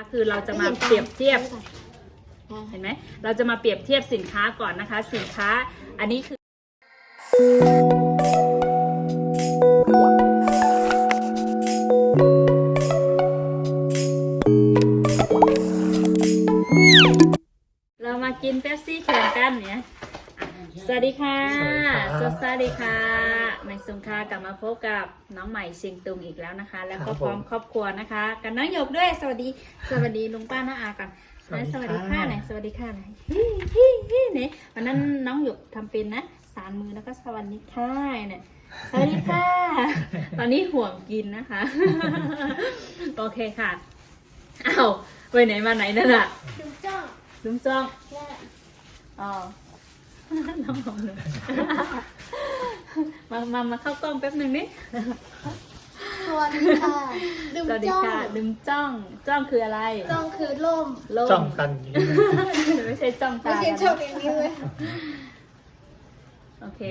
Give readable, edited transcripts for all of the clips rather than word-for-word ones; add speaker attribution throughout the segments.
Speaker 1: คือเราจะมาเปรียบเทียบเห็นไหมเราจะมาเปรียบเทียบสินค้าก่อนนะคะ สินค้าอันนี้คือเรามากินเป๊ปซี่แข่งกันเนี่ยสวัสดีค่ะสวัสดีค่ะในสงขลากลับมาพบกับน้องใหม่เชียงตุงอีกแล้วนะคะ แล้วก็พร้อมครอบครัวนะคะกันน้องหยกด้วยสวัสดีลุงป้าน้าอากันสวัสดีค่ะไหนสวัสดีค่ะไหนเนี่ยวันนั้นน้องหยกทำเป็นนะสานมือแล้วก็สวัสดีค่ะเนี่ยสวัสดีค่ะตอนนี้ห่วงกินนะคะโอเคค่ะอ้าวไปไหนมาไหนนั่นน่ะลุงจ้องอ๋อน้องหนูมาเข้ากล้องแป๊บหนึ่งนิด
Speaker 2: สวัสดีค่ะดึม
Speaker 1: จ้องคืออะไร
Speaker 2: จ้องคือล่ม
Speaker 3: จ้องกัน
Speaker 1: ไม่ใช่จ้องตา
Speaker 2: ไม่ใช่จ้องอย่างนี้เลย
Speaker 1: โอเค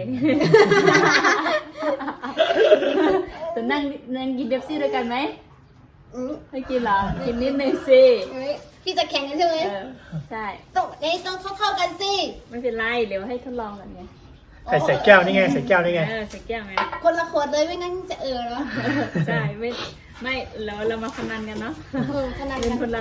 Speaker 1: จะนั่งกินเดฟซี่ด้วยกันไหมไม่กินหรอกินนิดนึงสิ
Speaker 2: พี่จะแข่งกันใช่ไหม
Speaker 1: ใช่
Speaker 2: ต้องเข้ากันสิ
Speaker 1: ไม่เป็นไรเดี๋ยวให้ทดลองกันไง
Speaker 3: ใส่แก้วนี่ไงใส่แก้วนี่ไง
Speaker 1: ใส่แก้วไง
Speaker 2: คนละขวดเลยไม่งั้นจะเหรอ
Speaker 1: ใช่ไม่เรามาพนันกันเนาะ
Speaker 2: พนัน
Speaker 1: เป็นคนละ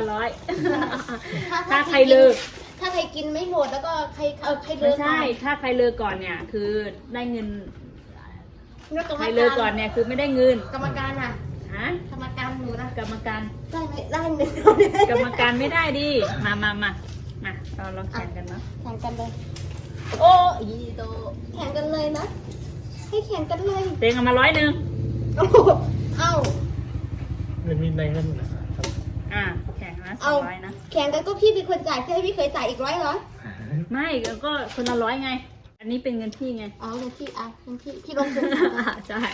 Speaker 1: 100ถ้าใคร
Speaker 2: เลิกถ้าใครกินไม่หมดแล้วก็ใครเลิก
Speaker 1: ใช่ถ้าใครเลิกก่อนเนี่ยคือได้เงินใครเลิกก่อนเนี่ยคือไม่ได้เงิน
Speaker 2: กรรมการอ่ะกรรมการหนูนะ
Speaker 1: กรรมการ
Speaker 2: ได้ไหมได้หนึ่ง
Speaker 1: กรรมการไม่ได้ดิมาเราแข่งกันเนาะ
Speaker 2: แข่งกันเลย
Speaker 1: โอ้ยโต
Speaker 2: แข่งกันเลยนะให้แข่งกันเลย
Speaker 1: เต็งเอามา100
Speaker 2: เอ้า
Speaker 3: มันมีในเงินนะ
Speaker 1: แข่งนะ200นะ
Speaker 2: แข่งกันก็พี่เป็นคนจ่ายให้พี่เคยจ่ายอีก100เหรอ
Speaker 1: ไม่ก็คนละ100ไงอันนี้เป็นเงินพี่ไง
Speaker 2: อ๋อเงินพี่ลงทุน
Speaker 1: ใช่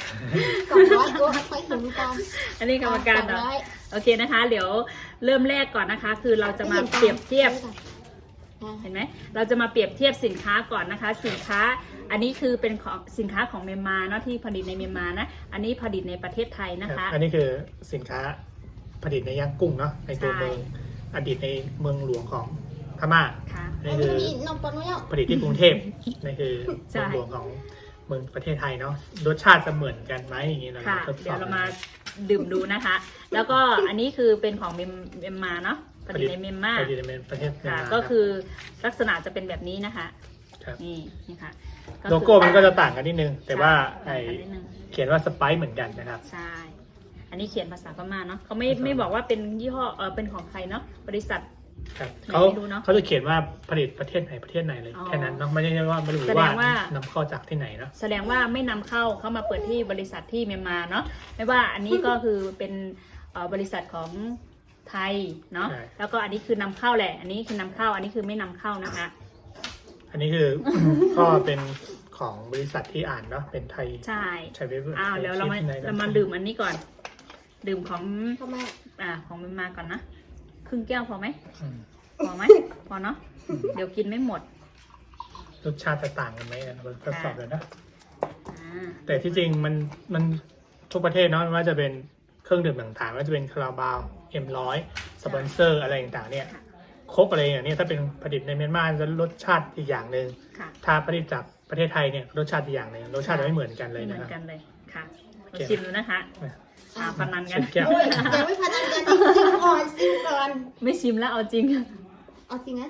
Speaker 2: 200ก็ค่อยถึงกัน
Speaker 1: อันนี้กรรมการเหรอโอเคนะคะเดี๋ยวเริ่มแรกก่อนนะคะ คือเราจะมาเปรียบเทียบเห็นไหมเราจะมาเปรียบเทียบสินค้าก่อนนะคะสินค้าอันนี้คือเป็นของสินค้าของเมียนมาเนาะที่ผลิตในเมียนมานะอันนี้ผลิตในประเทศไทยนะคะ
Speaker 3: อันนี้คือสินค้าผลิตในย่างกุ้งเนาะในตัวเมืองอดีตในเมืองหลวงของพม่านี่คือผลิตที่กรุงเทพนี่คือเมืองหลวงของเมืองประเทศไทยเนาะรสชาติจะเหมือนกันไหมอย่างนี้เรา
Speaker 1: เดี๋ยวเรามาดื่มดูนะคะแล้วก็อันนี้คือเป็นของเมียนมาเนาะผลิตในเมียนมา
Speaker 3: ประเทศเมียนมา
Speaker 1: ก็คือลักษณะจะเป็นแบบนี้นะคะนี่ค่ะ
Speaker 3: โลโก้มันก็จะต่างกันนิดนึงแต่ว่าเขียนว่าสไปซ์เหมือนกันนะครับ
Speaker 1: ใช่อันนี้เขียนภาษาพม่าเนาะเขาไม่บอกว่าเป็นยี่ห้อเป็นของใครเนาะบริษัท
Speaker 3: เขาจะเขียนว่าผลิตประเทศไหนเลยแค่นั้นเนาะไม่ใช่ว่าไม่รู้ว่านำเข้าจากที่ไหนเนาะ
Speaker 1: แสดงว่าไม่นำเข้ามาเปิดที่บริษัทที่เมียนมาเนาะไม่ว่าอันนี้ก็คือเป็นบริษัทของไทยเนาะแล้วก็อันนี้คือนำเข้าแหละอันนี้คือนำเข้าอันนี้คือไม่นำเข้านะคะ
Speaker 3: อันนี้คือก็เป็นของบริษัทที่อ่านเนาะเป็นไทย
Speaker 1: ใช่
Speaker 3: เว็บ
Speaker 1: เดี๋ยวเรามาดื่มอันนี้ก่อนดื่มของของเมียนมาก่อนนะครึ่งแก้วพอไหมพอเนาะเดี๋ยวกินไม่หมด
Speaker 3: รสชาติจะต่างกันไหมเราทดสอบเลยนะแต่ที่จริงมันทุกประเทศเนาะว่าจะเป็นเครื่องดื่มต่างๆว่าจะเป็นคาราบาวM100สปอนเซอร์อะไรต่างๆเนี่ยโค้กอะไรอย่างนี้ถ้าเป็นผลิตในเมียนมาจะรสชาติอีกอย่างหนึ่งถ้าผลิตจากประเทศไทยเนี่ยรสชาติอีกอย่างหนึ่งรสชาติจะไม่เหมือนกันเลยนะครับ
Speaker 1: เหมือนกันเลยค่ะชิมดูนะคะพนันกัน
Speaker 2: ยังไม่พนันกันชิมก่อน
Speaker 1: ไม่ชิมแล้วเอาจริง
Speaker 2: นะ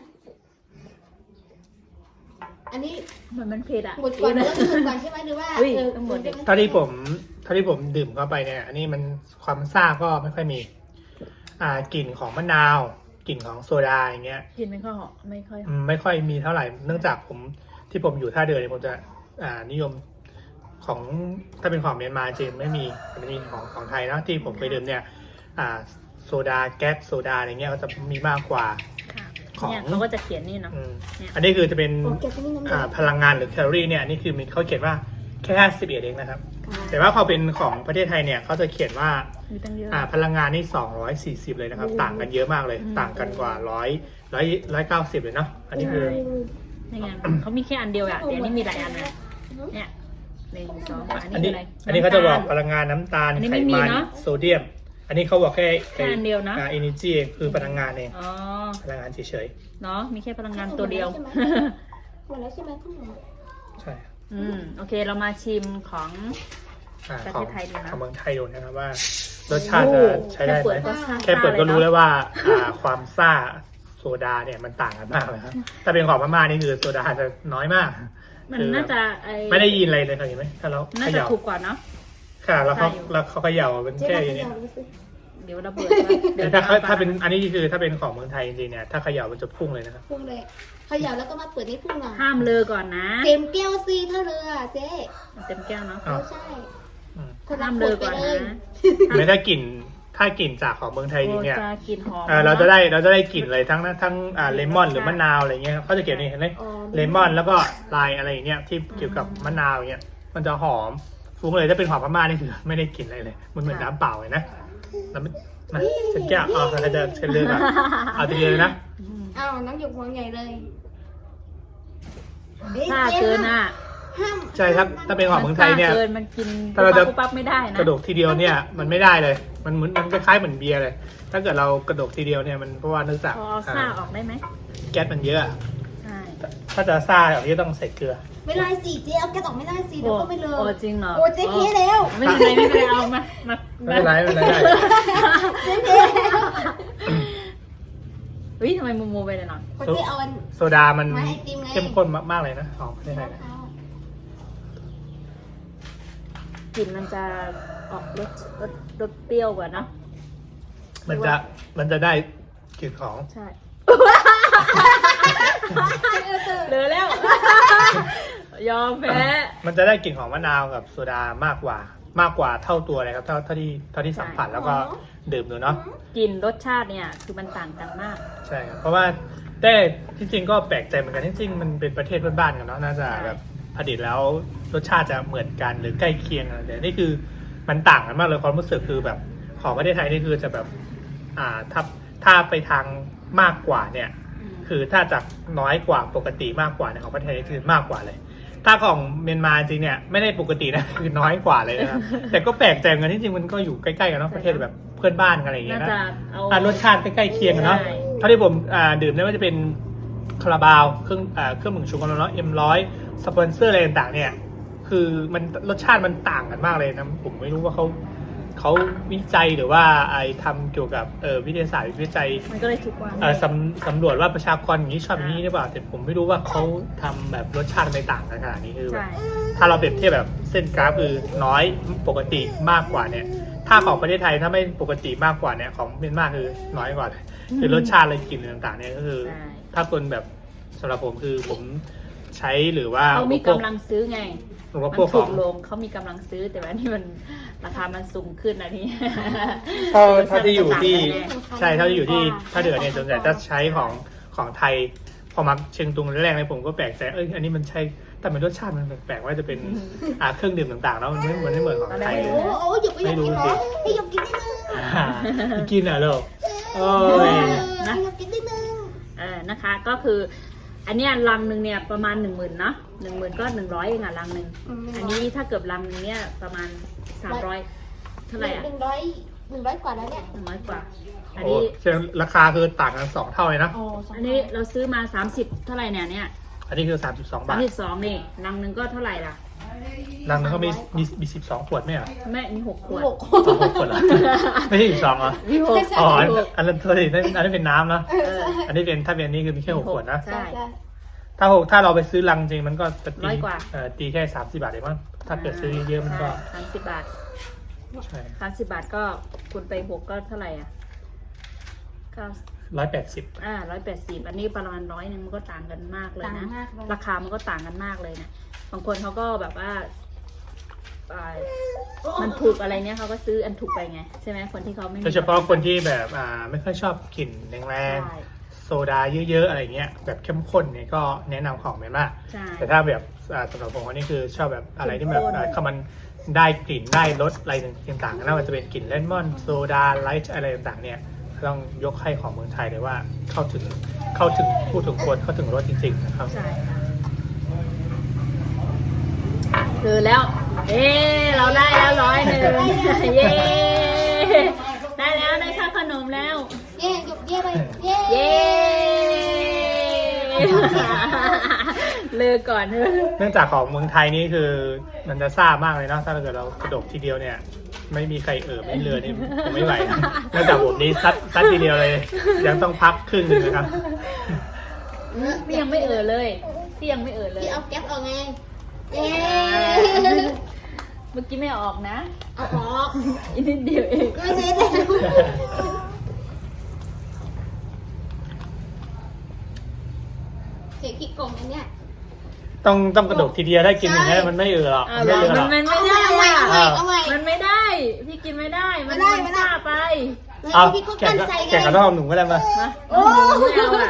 Speaker 2: อันนี้
Speaker 1: มันเผ็ดอ่ะ
Speaker 2: หมดก่อนใช่ไหมหรือว่า
Speaker 1: หมด
Speaker 3: เท่าที่ผมดื่มเข้าไปเนี่ยอันนี้มันความซ่าก็ไม่ค่อยมีกลิ่นของมะนาวกลิ่นของโซดาอย่างเงี้ย
Speaker 1: กลิ่นไม่ค่
Speaker 3: อยมีเท่าไหร่เนื่องจากผมอยู่ท่าเรือเนี่ยผมจะนิยมของถ้าเป็นของเมียนมาจริงไม่มีของไทยนะที่ผมไปดื่มเนี่ยโซดาแก๊สโซดาอะไรเงี้ยก็จะมีมากกว่า
Speaker 1: ของเขาก็จะเขียนนี่เนาะ
Speaker 3: อันนี้คือจะเป็นพลังงานหรือแคลอรี่เนี่ยนี่คือมีเขาเขียนว่าแค่51เองนะครับแต่ว่าพอเป็นของประเทศไทยเนี่ยเขาจะเขียนว่าพลังงานนี่240เลยนะครับต่างกันเยอะมากเลยต่างกันกว่า190เลยเนาะอันนี้คือ
Speaker 1: นี่ไงเขามีแค่อันเดียวอะแต่อันนี้มีหลายอันนะเนี่ย1 2อันนี้
Speaker 3: เขาจะบอกพลังงานน้ำตาลไขมันโซเดียมอันนี้เขาบอกแค่
Speaker 1: อันเดียวนะ
Speaker 3: energy คือพลังงานเอง
Speaker 1: อ๋อ
Speaker 3: พลังงานเฉย
Speaker 1: เนาะมีแค่พลังงานตัวเดียว
Speaker 2: หมดแล้วใช่ไหมคุณหมอ
Speaker 3: ๆใช่
Speaker 1: โอเคเรามาชิมของ ประ
Speaker 3: ขอ
Speaker 1: เท
Speaker 3: ง
Speaker 1: ศไทยดูนะ
Speaker 3: ของเมืองไทยดูนะครับว่ารสชาติจะใช้ได้ไหม
Speaker 1: แค่เปิดก็
Speaker 3: แค่เปิดก็รู้
Speaker 1: ซ่า
Speaker 3: แล้วว่าความซ่าโซดาเนี่ยมันต่างกันมากเลยครับถ้าเป็นของพม่านี่คือโซดาจะน้อยมาก
Speaker 1: มันน่าจะ
Speaker 3: ไม่ได้ยินอะไรเลยครับเห็นไหมถ้าเรา
Speaker 1: น่า
Speaker 3: เข
Speaker 1: จะ
Speaker 3: ย่า
Speaker 1: ถูกกว่าเนาะ
Speaker 3: ค่ะแล้วเขา
Speaker 1: ใช่อยู่
Speaker 3: แล้วเขาเขย่าเป็น
Speaker 2: เจ๊
Speaker 3: แค่
Speaker 2: มา
Speaker 3: อย่าง
Speaker 2: เข
Speaker 3: นี้
Speaker 2: ย่าดูสิ
Speaker 1: เดี๋ยวระเบิดเดี๋ยว
Speaker 3: ถ้าเป็นอันนี้คือถ้าเป็นของเมืองไทยจริงๆเนี่ยถ้าเขย่ามันจะพุ่งเลยนะครับ
Speaker 2: พุ่งเลยเขย่าแล้วก็มาเปิดให้พุ่งหน่อย
Speaker 1: ห้ามเลอก่อนนะ
Speaker 2: เต็มแก้วซีถ้าเรือเจ๊
Speaker 1: เต็มแก้วเนาะ
Speaker 3: อ้าว
Speaker 2: ไม่ใช่
Speaker 3: อืม
Speaker 2: คนละ
Speaker 1: ห้าม
Speaker 2: ข
Speaker 1: เล
Speaker 2: ว
Speaker 1: อ
Speaker 2: ดไป
Speaker 1: ก่อน
Speaker 2: เล
Speaker 1: นะ
Speaker 2: ย
Speaker 3: ไม่ถ้ากลิ่นจากของเมืองไทยจริงเนี่ย
Speaker 1: โอ้จะกลิ่นหอม
Speaker 3: เราจะได้กลิ่นเลยทั้งเลมอนหรือมะนาวอะไรเงี้ยเขาจะเขียนนี่เห็นไหม
Speaker 2: อ๋อ
Speaker 3: เลมอนแล้วก็ลายอะไรอย่างเงี้ยที่เกี่ยวกับมะนาวอย่างเงี้ยมันจะหอมฟุ้งเลยถ้าเป็นของพม่านี่คือไม่ได้กลิ่นอะไรเลยมันเหมือนน้ำเปล่าเลยนะแล้วมันมาเช็ดแก้วเราจะเช็ดเลือดก่อนเอาทีเดียวเลยนะ
Speaker 2: อ้าวน้องหยกวางใหญ่เลย
Speaker 1: ซ่าเกินอ่ะ
Speaker 2: ห้าม
Speaker 3: ใช่ครับถ้าเป็นของเมืองไทยเนี่ย
Speaker 1: ซ่าเกินมันกิน
Speaker 3: ถ้าเราจะ
Speaker 1: ปุ๊บปั๊บไม่ได้นะ
Speaker 3: กระดกทีเดียวเนี่ยมันไม่ได้เลยมันเหมือนมันคล้ายๆเหมือนเบียร์เลย ถ้าเกิดเรากระดกทีเดียวเนี่ยมันเพราะว่าเนื่องจาก
Speaker 1: พอเอาซ่าออกได้ไหม
Speaker 3: แก๊สมันเยอะ
Speaker 1: ใช่
Speaker 3: ถ้าจะซ่าแบบนี้ต้องใส่เกลือ
Speaker 2: ไม่ได้สิเจ๊เอาแกะออกไม่ได้สิเดี๋ยวก็ไม่เล
Speaker 1: โอ้
Speaker 2: ย
Speaker 1: จริงเหรอ
Speaker 2: โอ้เจ๊เพี้ยแล้ว
Speaker 1: ไม่เป็นไรไม่เป็นไรเอามามา
Speaker 3: ไม่เป็นไรไม่เป็นไรได้
Speaker 2: เจ๊เพี้ยแล้ว
Speaker 1: เฮ้ยทำไมโมโมไปเลยหน่อย
Speaker 2: คนเจ๊เอาอัน
Speaker 3: โซดามัน
Speaker 2: ไม่ไอติมไง
Speaker 3: เข้มข้นมากๆเลยนะของประเทศไทยเนี่ย
Speaker 1: กลิ่นมันจะออกรสเปรี้ยวกว่าเนอะ
Speaker 3: มันจะได้กลิ่นของ
Speaker 1: ใช่เหลือแล้ว ยอมแพ้
Speaker 3: มันจะได้กลิ่นของมะนาวกับโซดามากกว่าเท่าตัวเลยครับเท่าที่สัมผัสแล้วก็ดื่มดูเนาะ
Speaker 1: กลิ่นรสชาติเนี่ยคือมันต่างกันมาก
Speaker 3: ใช่ครับเพราะว่าแต่ที่จริงก็แปลกใจเหมือนกันที่จริงมันเป็นประเทศเพื่อนบ้านกันเนาะน่าจะแบบผลิตแล้วรสชาติจะเหมือนกันหรือใกล้เคียงกันแต่นี่คือมันต่างกันมากเลยความรู้สึกคือแบบของประเทศไทยนี่คือจะแบบถ้าไปทางมากกว่าเนี่ย คือถ้าจากน้อยกว่าปกติมากกว่าเนี่ยของประเทศไทยคือมากกว่าเลย ถ้าของเมียนมาจริงเนี่ยไม่ได้ปกตินะ คือน้อยกว่าเลยนะครับ แต่ก็แปลกใจเหมือนกันที่จริงมันก็อยู่ใกล้ๆกันเนาะประเทศแบบเพื่อนบ้านกันอะไรอย่างเงี้
Speaker 1: น่าย
Speaker 3: นะ
Speaker 1: จะเอา
Speaker 3: รสชาติใกล้ๆเคียงกันเนาะ
Speaker 1: ใช่
Speaker 3: เท่าที่ผมดื่มเนี่ยว่าจะเป็นคาราบาวเครื่องดื่มชูกำลังเนาะM100สปอนเซอร์อะไรต่างๆเนี่ยคือมันรสชาติมันต่างกันมากเลยนะผมไม่รู้ว่าเขาวิจัยหรือว่าทำเกี่ยวกับวิทยาศาสตร์วิจัย
Speaker 1: มันก็เลยถูกกว่า
Speaker 3: สำรวจว่าประชากรอย่างนี้ชอบอย่างนี้หรือเปล่าแต่ผมไม่รู้ว่าเขาทำแบบรสชาติไม่ต่างกันขนาดนี้คือแบบ
Speaker 1: ใช่
Speaker 3: ถ้าเราเปรียบเทียบแบบเส้นกราฟคือน้อยปกติมากกว่าเนี่ย ถ้าของประเทศไทยถ้าไม่ปกติมากกว่าเนี่ยของเมียนมาคือน้อยกว่าเลยคือรสชาติอะไรกลิ่นต่างๆเนี่ยก็คือ
Speaker 1: ใช่
Speaker 3: ถ้าคนแบบสำหรับผมคือผมใช้หรือว่า
Speaker 1: เขามีกำลังซื้อไง
Speaker 3: อุป
Speaker 1: มัน
Speaker 3: โภคข
Speaker 1: ถู
Speaker 3: อง
Speaker 1: กลงเขามีกำลังซื้อแต่ว่านี่มันราคามันสูงขึ้นนะนี่
Speaker 3: ถ้าที่อยู่ที่ใช่ถ้าที่อยู่ที่ถ้าเดือเนี่ยส่วนใหญ่จะใช้ของไทยพอมาเชียงตุงแรกๆเนี่ยผมก็แปลกใจอันนี้มันใช่แต่มันรสชาติมันแปลกๆว่าจะเป็นเครื่องดื่มต่างๆแล้วมันไม่เหมือนของไทยเลย
Speaker 2: โอ้หยกไปหยกกินเหรอให้หยกกินได้นึง
Speaker 3: กินเหรอลูกโอ้ย
Speaker 2: ให้หยกกินได้นึง
Speaker 1: นะคะก็คือ อันเนี้ยลังหนึ่งเนี่ยประมาณ10,000เนาะ10,000ก็100เองอะลังหนึ่งอันนี้ถ้าเกือบลังหนึงเนี่ยประมาณ300เท่าไหร่อะ
Speaker 2: 100 กว่าแล้วเนี่ย
Speaker 1: 100กว่า อัน
Speaker 3: โอ้
Speaker 1: นี้
Speaker 3: เชียงราคาคือต่างกัน2เท่าเลยนะ
Speaker 2: อ๋อ
Speaker 1: อันนี้เราซื้อมา30เท่าไหร่เนี่ย
Speaker 3: อันนี้คือ32 บาท
Speaker 1: 32นี่ลังหนึ่งก็เท่าไหร่ล่ะ
Speaker 3: รังนึงก็มี12 ขวดไหมอ่ะ
Speaker 1: แม่มี6ขวด
Speaker 2: 6
Speaker 3: 6 ขวดเหรอไม่ใช่12เหรอ
Speaker 1: มี6
Speaker 3: อ๋ออันนั้นตัวนี้อันนี้เป็นน้ำนะ อันนี้เป็นถ้าเป็นนี่คือมีแค่6 ขวดนะ
Speaker 1: ใช่
Speaker 3: ถ้าเราไปซื้อลังจริงมันก็จะตี
Speaker 1: ร้อยกว่า
Speaker 3: ตีแค่30 บาทเองมั้งถ้าเกิดซื้อเยอะมันก็
Speaker 1: ใช่30 บาท
Speaker 3: ใช่
Speaker 1: 30 บาทก็คูณไป6ก็เท่าไหร่อ่ะก็
Speaker 3: 180
Speaker 1: 180อันนี้ประมาณ100นึงมันก็ต่างกันมากเลย
Speaker 2: ต่าง
Speaker 1: นะ
Speaker 2: มากเลย
Speaker 1: ราคามันก็ต่างกันมากเลยนะบางคนเขาก็แบบว่ามันถูกอะไรเนี้ยเขาก็ซื้ออันถูกไปไงใช่ไหมคนที่เขาไม่มี
Speaker 3: โดยเฉพาะคนที่แบบไม่ค่อยชอบกลิ่นแรง
Speaker 1: ใช่
Speaker 3: ๆโซดาเยอะๆอะไรเงี้ยแบบเข้มข้นเนี่ยก็แนะนำของเมียนมา
Speaker 1: ใช่
Speaker 3: แต่ถ้าแบบสำหรับผมอันนี้คือชอบแบบอะไรที่แบบเขามันได้กลิ่นได้รสอะไรต่างๆน่าจะเป็นกลิ่นเลมอนโซดาไลท์อะไรต่างๆเนี่ยต้องยกให้ของเมืองไทยเลยว่าเข้าถึงพูดถึงคนเข้าถึงรสจริงๆนะครับ
Speaker 1: ใช่ค่ะคือแล้ว เราได้แล้ว100เย้ได้ค่าขนมแล้ว
Speaker 2: เย่หยุดเย่ไปเย่
Speaker 1: เย้ เลิกก่อนเถอะ
Speaker 3: เนื่องจากของเมืองไทยนี่คือมันจะซ่ามากเลยเนาะถ้าเกิดเรากระดกทีเดียวเนี่ย ไม่มีใครไม่เรือนี่ผมไม่ไหวนะเนื่องจากผมนี่ซัดทีเดียวเลย ยังต้องพักครึ่งหนึงนะครับ
Speaker 1: พี่ยังไม่เลยพี่ยังไม่เลย
Speaker 2: พี่เอาแก๊ปออกไงเย่
Speaker 1: เมื่อกี้ไม่ออกนะ
Speaker 2: เอาออก
Speaker 1: อีกนิดเดียวเอง
Speaker 2: ไม่ได้แล้วเสียขี้โกงอันเนี้ย
Speaker 3: ต้องกระดกทีเดียวได้กินอย่างนี้มันไม่หรอก
Speaker 1: อ่า
Speaker 3: ไม่เรือหรอก
Speaker 1: มันไม่ได้
Speaker 2: เอาใหม่
Speaker 1: มันไม่ได้ พี่กินไม่ได้ มัน
Speaker 2: ไม่ได้
Speaker 1: มันซ่าไป
Speaker 3: เอา
Speaker 2: พี่เขา
Speaker 3: แข่
Speaker 2: กั้
Speaker 3: ง
Speaker 2: น
Speaker 3: กับ
Speaker 2: ใจไง
Speaker 3: แข่งกับน้องหนุ่มก็ได้มา
Speaker 1: มา
Speaker 2: โอ้
Speaker 1: ไม่เอาอ่ะ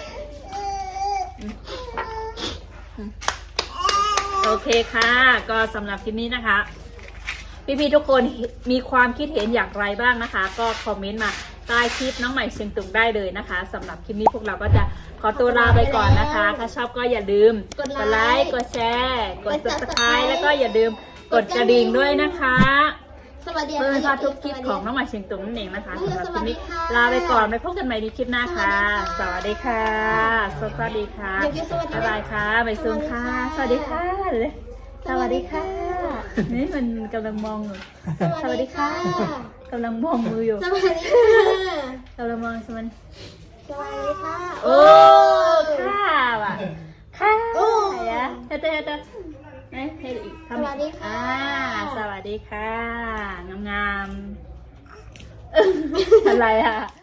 Speaker 1: โอเคค่ะ ก็สำหรับคลิปนี้นะคะ พี่ๆทุกคนมีความคิดเห็นอย่างไรบ้างนะคะ ก็คอมเมนต์มาใต้คลิปน้องใหม่เชียงตุงได้เลยนะคะสำหรับคลิปนี้พวกเราก็จะขอตัวลาไปก่อนนะคะ ถ้าชอบก็อย่าลืมกดไลค์กดแชร์กด subscribe แล้วก็อย่าลืมกดกระดิ่งด้วยนะคะ
Speaker 2: สวัสดี
Speaker 1: เพื่อ
Speaker 2: ค่ะ
Speaker 1: ไม่พลาดทุกคลิปของน้องใหม่เชียงตุงนั่นเองนะคะสำหรับคลิปนี้
Speaker 2: สวัสดีค่ะ
Speaker 1: ลาไปก่อนไปพบกันใหม่ในคลิปหน้าค่ะ สวัสดีค่ะ สวัสดีค่ะ
Speaker 2: เดี๋ยวพี่สวัสดี
Speaker 1: บ๊ายบายค่ะไปซูมค่ะ สวัสดีค่ะเลยสวัสดีค่ะ นี่มันกำลังมองอยู่
Speaker 2: สวัสดีค่ะ
Speaker 1: กำลังมองมืออยู่
Speaker 2: สวัสดีค่ะ
Speaker 1: กำลังมองสมัน
Speaker 2: สวัสดีค่ะ
Speaker 1: โอ้ค่ะว่ะค่ะ
Speaker 2: โอ้
Speaker 1: ไหนอะเฮ้ยเฮ้ยเฮ้ยเฮ้ยเฮ้ยอีกคำ
Speaker 2: สวัสดีค่ะ
Speaker 1: สวัสดีค่ะ งามๆ อะไรอะ